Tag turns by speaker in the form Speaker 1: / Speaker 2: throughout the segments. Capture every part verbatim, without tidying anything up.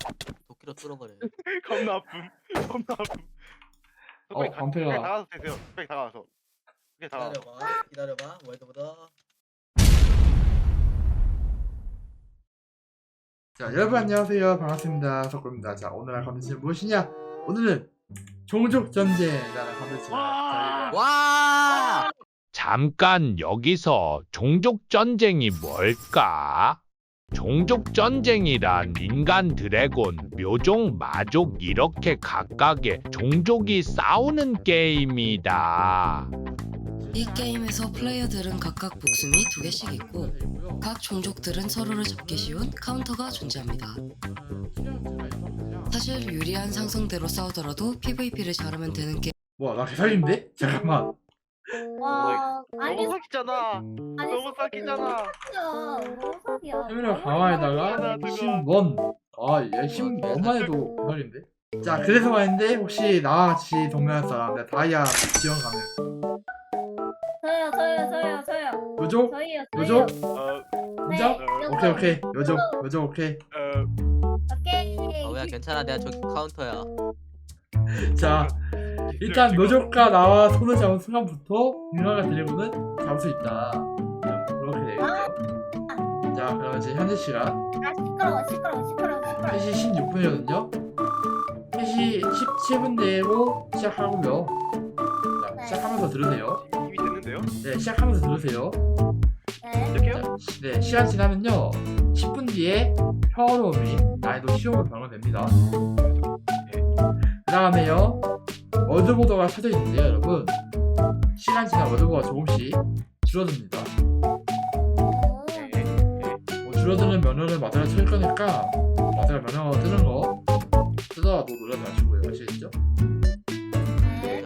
Speaker 1: 도끼로 뚫어버려.
Speaker 2: 겁나 아픔. 겁나 아픔.
Speaker 3: 어,
Speaker 2: 빨리 가-
Speaker 3: 방패가-
Speaker 2: 빨리 다가가서 되세요. 빨리 다가가서. 빨리 다가가.
Speaker 1: 기다려봐. 기다려봐. 월드보다.
Speaker 3: 자, 여러분 안녕하세요. 반갑습니다. 석구입니다. 자, 오늘 할 컨텐츠는 무엇이냐? 오늘은 종족 전쟁이라는 컨텐츠가
Speaker 2: 와!
Speaker 3: 저희가
Speaker 1: 와!
Speaker 4: 잠깐 여기서 종족전쟁이 뭘까? 종족전쟁이란 인간, 드래곤, 묘종, 마족 이렇게 각각의 종족이 싸우는 게임이다.
Speaker 5: 이 게임에서 플레이어들은 각각 목숨이 두 개씩 있고 각 종족들은 서로를 잡기 쉬운 카운터가 존재합니다. 사실 유리한 상성대로 싸우더라도 피브이피를 잘하면 되는 게임.
Speaker 3: 뭐야, 나 개사기인데? 잠깐만.
Speaker 6: 와, 아니,
Speaker 2: 너무 사기잖아.
Speaker 6: 아니,
Speaker 2: 너무 사기잖아.
Speaker 6: 사기야. 너무 사기야.
Speaker 3: 카메라 강화에다가 힘원. 아, 얘 힘원만 해도 대박인데? 자, 그래서 말인데 혹시 나와 같이 동료할 사람, 내가 다이아 지원 가능.
Speaker 6: 저요, 저요, 저요, 저요.
Speaker 3: 요족?
Speaker 6: 저희요,
Speaker 3: 요족?
Speaker 6: 저희요.
Speaker 2: 어,
Speaker 3: 인정?
Speaker 6: 네,
Speaker 3: 오케이, 오케이. 요족, 요족, 오케이.
Speaker 2: 어,
Speaker 6: 오케이.
Speaker 1: 어야 괜찮아. 내가 저기 카운터야.
Speaker 3: 자, 일단 노조가 나와 손을 잡은 순간부터 인간과 드래곤은 잡을 수 있다. 그렇게 되겠죠. 자, 그럼 이제 현재 시간
Speaker 6: 아, 시끄러워, 시끄러워, 시끄러워, 시끄러워.
Speaker 3: 세 시 십육 분이거든요. 세 시 십칠 분 내로 시작하고요. 자,
Speaker 6: 네.
Speaker 3: 시작하면서 들으세요.
Speaker 2: 이미 됐는데요?
Speaker 3: 네, 시작하면서 들으세요.
Speaker 6: 네.
Speaker 2: 시작해요?
Speaker 3: 자, 시- 네, 시간 지나면요. 십 분 뒤에 평화로움이 난이도 쉬움으로 변경됩니다. 그 다음에요. 월드보더가 켜져 있는데요, 여러분. 시간 지나 월드보더가 조금씩 줄어듭니다.
Speaker 6: 오,
Speaker 2: 네. 네.
Speaker 3: 뭐 줄어드는 면허를 마다가 칠 거니까 마다가 면허 뜨는 거 뜨더라도 놀라지 마시고요. 아시겠죠?
Speaker 6: 네.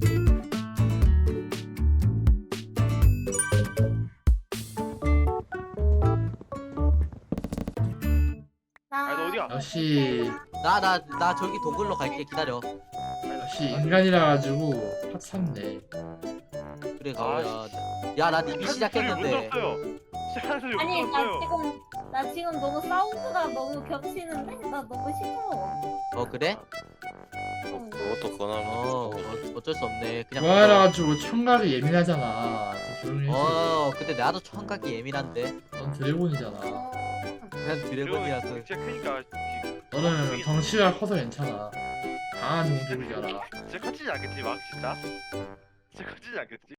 Speaker 2: 아, 너 어디야?
Speaker 3: 역시
Speaker 1: 나 나 나 저기 동굴로 갈게. 기다려.
Speaker 3: 역시 인간이라 가지고 핫샀네.
Speaker 1: 그래
Speaker 2: 아,
Speaker 1: 가오야. 야나 이미
Speaker 2: 못
Speaker 1: 시작했는데.
Speaker 2: 들었어요. 시작하는 소리 못
Speaker 6: 아니, 나
Speaker 2: 들었어요.
Speaker 6: 지금, 나 지금 너무 사운드가 너무 겹치는데? 나 너무 시끄러워.
Speaker 1: 어 그래?
Speaker 6: 어.
Speaker 7: 그것도 권하면
Speaker 1: 어 어, 어쩔 수 없네. 그냥.
Speaker 3: 그거라 가지고 청각이 예민하잖아. 좀 조용히 해.
Speaker 1: 어 근데 나도 청각이 예민한데.
Speaker 3: 넌 드래곤이잖아.
Speaker 6: 어.
Speaker 1: 그냥 드래곤이라서.
Speaker 2: 진짜 크니까
Speaker 3: 너는 덩치가 커서 괜찮아. 강한 종족이잖아.
Speaker 2: 진짜 커지지 않겠지 막 진짜? 진짜 커지지 않겠지?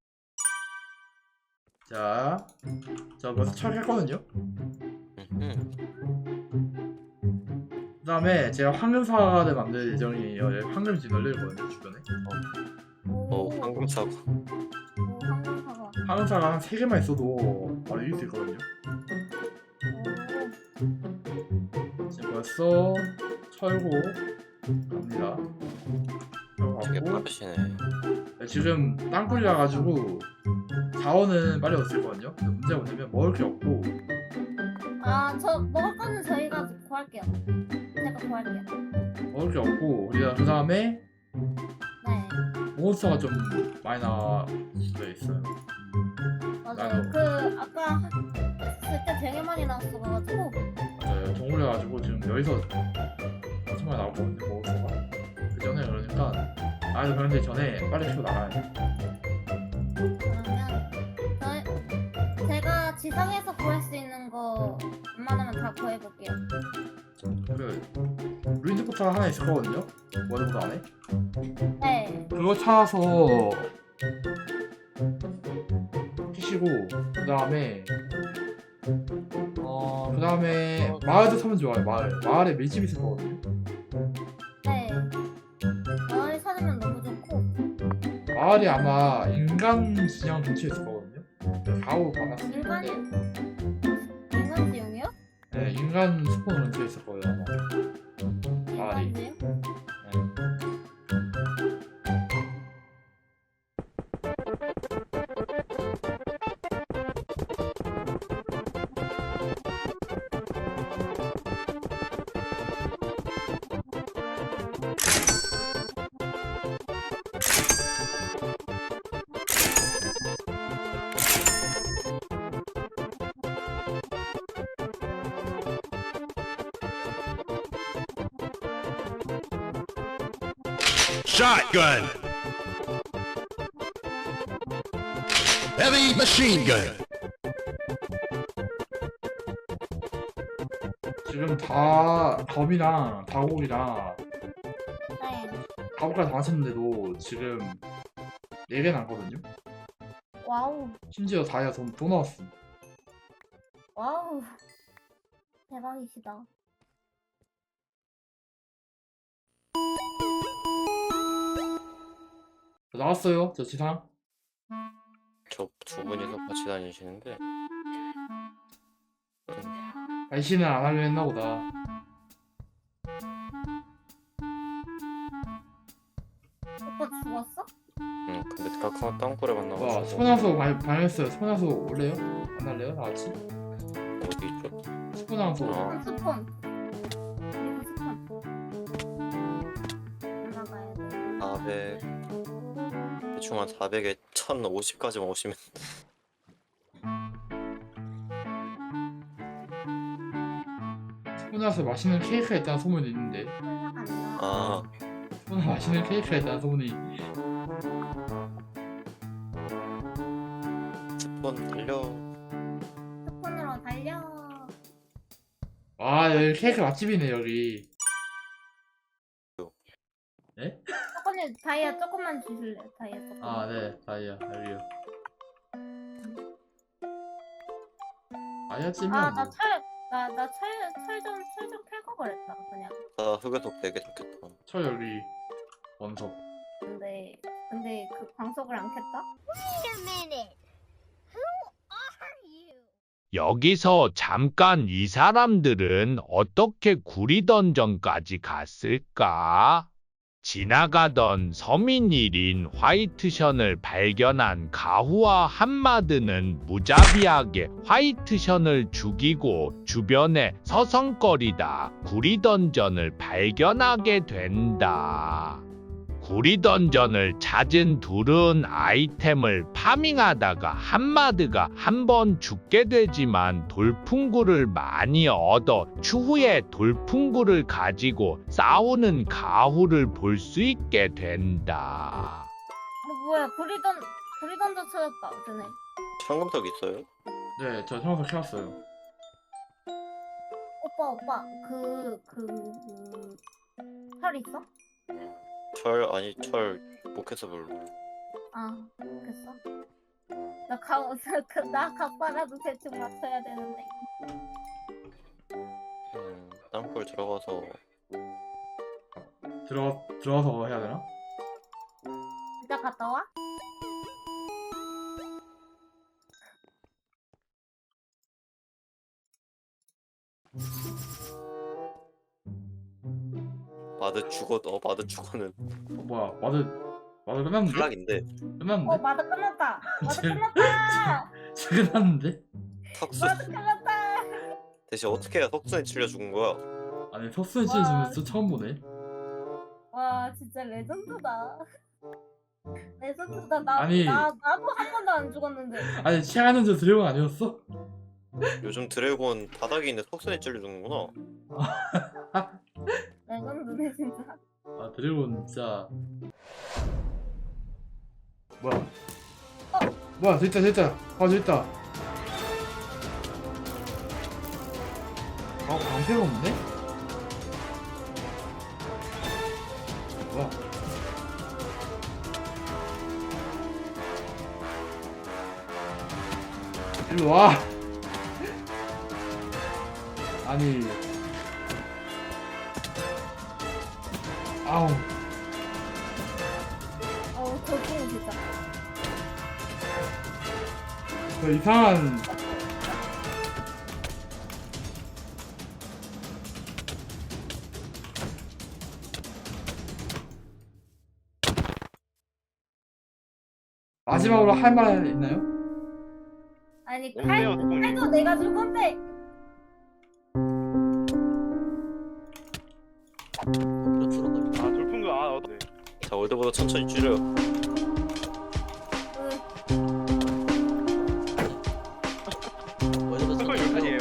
Speaker 3: 자, 저 벌써 철했거든요.
Speaker 1: 응.
Speaker 3: 그 다음에 제가 황금사과를 만들 예정이에요. 여기 황금이 지금 널려있거든요, 주변에.
Speaker 7: 어 황금사과
Speaker 6: 오, 황금사과.
Speaker 3: 황금사과 한 세 개만 있어도 바로 이길 수 있거든요. 지금 벌써 철고 갑니다.
Speaker 7: 되게
Speaker 3: 가고
Speaker 7: 빠르시네.
Speaker 3: 지금 땅굴이라 가지고 자원은 빨리 얻을 거거든요. 근데 문제가 뭐냐면 먹을 게 없고
Speaker 6: 아, 저 먹을 거는 저희가 구할게요. 제가 구할게요.
Speaker 3: 먹을 게 없고 우리가 그 다음에
Speaker 6: 네.
Speaker 3: 몬스터가 좀 많이 나와 있어요.
Speaker 6: 맞아요.
Speaker 3: 나도.
Speaker 6: 그 아까 그때 되게 많이 나왔어가지고.
Speaker 3: 맞아요. 동굴에 가지고 지금 여기서 정말 나오거든요. 몬스터가. 그 전에 그러니까 아니 그런데 전에 빨리 키고 나가야 돼.
Speaker 6: 그러면 저 제가 지상에서 구할 수 있는 거 웬만하면 다 구해볼게요.
Speaker 3: 그 루인드 포탈 하나 있을 거거든요. 워드보드 안에.
Speaker 6: 네.
Speaker 3: 그거 찾아서 피시고 그 다음에 어 그 다음에 마을도 사면 좋아요. 마을 마을에 밀집 있을 거거든요.
Speaker 6: 네. 마을 찾으면 너무 좋고.
Speaker 3: 마을이 아마 인간 진영 근처에 있을 거거든요. 가오 받았을
Speaker 6: 인간
Speaker 3: 때
Speaker 6: 인간 지용이요?
Speaker 3: 네, 인간 스폰 근처에 있을 거예요 아마. 마을이.
Speaker 6: 인간 지용?
Speaker 3: 네.
Speaker 8: shotgun. Heavy machine gun.
Speaker 3: 지금 다 검이랑 다곡이랑
Speaker 6: 네.
Speaker 3: 다곡까지 다 하셨는데도 지금 네 개 남거든요.
Speaker 6: 와우.
Speaker 3: 심지어 다이아 돈 또 나왔어.
Speaker 6: 와우. 대박이시다.
Speaker 3: 나왔어요, 저 지상.
Speaker 7: 저 두 분이서 같이 다니시는데
Speaker 3: 발신을 안 하려 했나 보다.
Speaker 6: 오빠 죽었어?
Speaker 7: 응 근데 까까 땅굴에
Speaker 3: 와,
Speaker 7: 만나가지고
Speaker 3: 스포나소 발견했어요. 스포나소 올래요? 안 할래요? 다 같이?
Speaker 7: 어디 있죠?
Speaker 3: 스포나소.
Speaker 7: 어.
Speaker 6: 스폰. 그리고 스폰. 올라가야 돼.
Speaker 7: 사백 대충 한 사백에 천오십까지만 오시면
Speaker 3: 스포나소에 맛있는 케이크가 있다는 소문이 있는데.
Speaker 6: 올라간다.
Speaker 7: 아
Speaker 3: 스포나소 맛있는 케이크가 있다는 소문이.
Speaker 7: 스폰 달려.
Speaker 6: 스폰으로 달려.
Speaker 3: 와, 여기 케이크 맛집이네, 여기.
Speaker 6: 조금만 다이아 조금만 주실래요? 다이아 조금.
Speaker 3: 아, 네. 다이아, 여기요. 다이아 찜이야,
Speaker 6: 아,
Speaker 3: 뭐.
Speaker 6: 나 철, 나, 나 철, 철 좀, 철 좀 캘 거 그랬다, 그냥.
Speaker 7: 나 흑요석 되게 좋겠다.
Speaker 3: 저 여기 원석.
Speaker 6: 근데, 근데 그 광석을 안 캤다?
Speaker 4: 여기서 잠깐 이 사람들은 어떻게 구리 던전까지 갔을까? 지나가던 서민 일인 화이트션을 발견한 가후와 한마드는 무자비하게 화이트션을 죽이고 주변에 서성거리다 구리 던전을 발견하게 된다. 구리 던전을 찾은 둘은 아이템을 파밍하다가 한마드가 한 번 죽게 되지만 돌풍구를 많이 얻어 추후에 돌풍구를 가지고 싸우는 가후를 볼 수 있게 된다.
Speaker 6: 뭐, 뭐야, 구리던, 구리던도 찾았다, 전에.
Speaker 7: 황금석 있어요?
Speaker 3: 네, 저 청소 켜왔어요.
Speaker 6: 오빠, 오빠, 그, 그, 그, 철 있어?
Speaker 7: 철 아니 철 못해서 별로.
Speaker 6: 아, 됐어? 나 가, 나 각바라도 대충 맞춰야 되는데.
Speaker 7: 음, 땅굴 들어가서
Speaker 3: 들어, 들어가서 해야 되나?
Speaker 6: 진짜 갔다 와?
Speaker 7: 마드 죽어 어 마드 죽어는
Speaker 3: 어, 뭐야, 마드, 마드 끝났는데?
Speaker 7: 탈락인데
Speaker 6: 어,
Speaker 3: 끝났는데?
Speaker 6: 마드 끝났다! 마드
Speaker 3: 지금-
Speaker 6: 끝났다!
Speaker 3: 끝났는데?
Speaker 7: 턱수
Speaker 6: 마드 끝났다!
Speaker 7: 대신 어떻게 해야 석순에 찔려 죽은 거야?
Speaker 3: 아니, 석순 씨 지금 저 처음 보네.
Speaker 6: 와, 진짜 레전드다. 레전드다. 나,
Speaker 3: 아니.
Speaker 6: 나, 나도 한 번도 안 죽었는데.
Speaker 3: 아니, 치아는 저 드래곤 아니었어?
Speaker 7: 요즘 드래곤 바닥에 있는 석순에 찔려 죽는구나.
Speaker 6: 레전드네, 진짜.
Speaker 3: 아, 드래곤 진짜. 뭐야? 뭐야, 저 있다, 저 있다. 아, 저 있다. 아, 방패가 없네? 뭐야? 일로 와! 아니. 아우.
Speaker 6: 어우, 저기는 진짜.
Speaker 3: 저 이상한. 마지막으로 할 말 있나요?
Speaker 6: 아니,
Speaker 2: 없네요,
Speaker 6: 칼,
Speaker 2: 동료.
Speaker 6: 칼도 내가 줄 건데.
Speaker 1: 뒤로 뚫어버려.
Speaker 2: 아 돌풍구 아 어, 네.
Speaker 7: 자 월드보다 천천히 줄여.
Speaker 1: 어디서
Speaker 2: 그거 여기까지예요?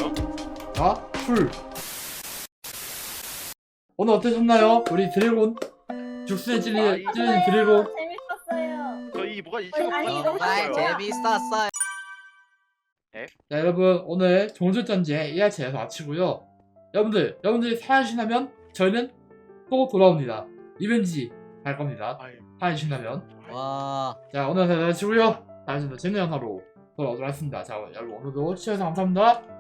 Speaker 3: 자, 풀. 오늘 어떠셨나요? 우리 드래곤? 죽순에 찔리,
Speaker 2: 아, 이-
Speaker 3: 찔린 드래곤.
Speaker 6: 재밌었어요.
Speaker 2: 저희 뭐가
Speaker 6: 아니,
Speaker 2: 이십억
Speaker 6: 아니,
Speaker 1: 정말 재밌었어요.
Speaker 3: 자, 여러분 오늘 종족전쟁 일 화차에서 마치고요. 여러분들 여러분들이 사연신하면 저희는 또 돌아옵니다. 리벤지 갈 겁니다.
Speaker 2: 아유.
Speaker 3: 사연신하면.
Speaker 1: 와.
Speaker 3: 자, 오늘 사연 마치고요. 다음 주도 재밌는 영상으로 돌아오도록 하겠습니다. 자, 여러분 오늘도 시청해주셔서 감사합니다.